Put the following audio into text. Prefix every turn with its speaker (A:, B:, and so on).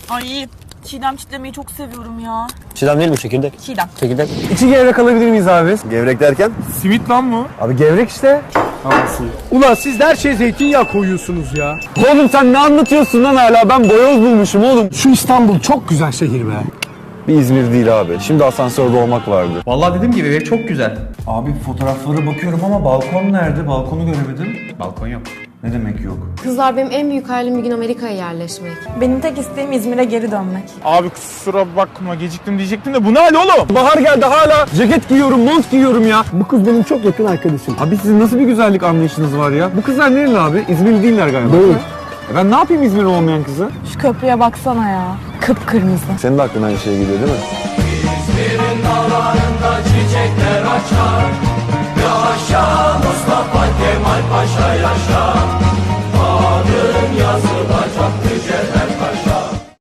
A: Ay çiğdem çitlemeyi çok seviyorum ya.
B: Çiğdem değil mi? Çekirdek.
A: Çiğdem.
B: Çekirdek.
C: İçi gevrek alabilir miyiz abi?
D: Gevrek derken?
E: Simit lan mı?
C: Abi gevrek işte. Ulan siz de her şeye zeytinyağı koyuyorsunuz ya.
B: Oğlum sen ne anlatıyorsun lan hala? Ben boyoz bulmuşum oğlum.
C: Şu İstanbul çok güzel şehir be.
D: Bir İzmir değil abi. Şimdi asansörde olmak vardı.
F: Vallahi dediğim gibi ev çok güzel.
G: Abi fotoğraflara bakıyorum ama balkon nerede? Balkonu göremedim.
F: Balkon yok.
G: Ne demek yok?
H: Kızlar benim en büyük hayalim bir gün Amerika'ya yerleşmek.
A: Benim tek isteğim İzmir'e geri dönmek.
E: Abi kusura bakma geciktim diyecektim de bu ne hal oğlum?
C: Bahar geldi hala ceket giyiyorum, mont giyiyorum ya. Bu kız benim çok yakın arkadaşım.
B: Abi sizin nasıl bir güzellik anlayışınız var ya? Bu kızlar nereli abi? İzmirli değiller galiba.
C: Değil.
B: Ben ne yapayım İzmirli olmayan kızı?
A: Şu köprüye baksana ya. Kıpkırmızı.
D: Senin de aklına aynı şey geliyor değil mi?
I: İzmir'in dağlarında çiçekler açar. Yaşa Mustafa Kemal Paşa yaşa. Adın yazılır